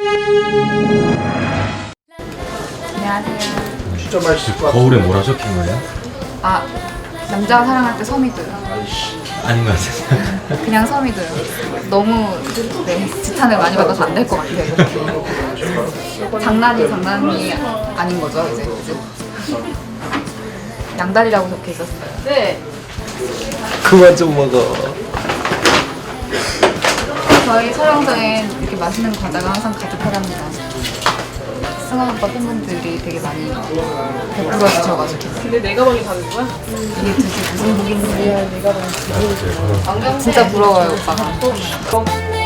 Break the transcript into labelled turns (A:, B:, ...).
A: 안녕하세요.
B: 진짜 맛있을 것 같아.
C: 거울에 뭐라 적힌 거예요?
A: 아, 남자가 사랑할 때 섬이도요.
C: 아닌 것 같아요.
A: 그냥 섬이도요. 너무 지탄을 많이 받아서 안 될 것 같아요. 장난이 아닌 거죠, 이제. 그죠? 양다리라고 적혀 있었어요. 네.
C: 그만 좀 먹어.
A: 저희 촬영장엔 이렇게 맛있는 과자가 항상 가득하답니다. 승환 오빠 팬분들이 되게 많이 베풀어 주셔가지고.
D: 근데 내 가방이 다른 거야?
A: 이게 도대체 무슨 복인지. 진짜 부러워요, 오빠가.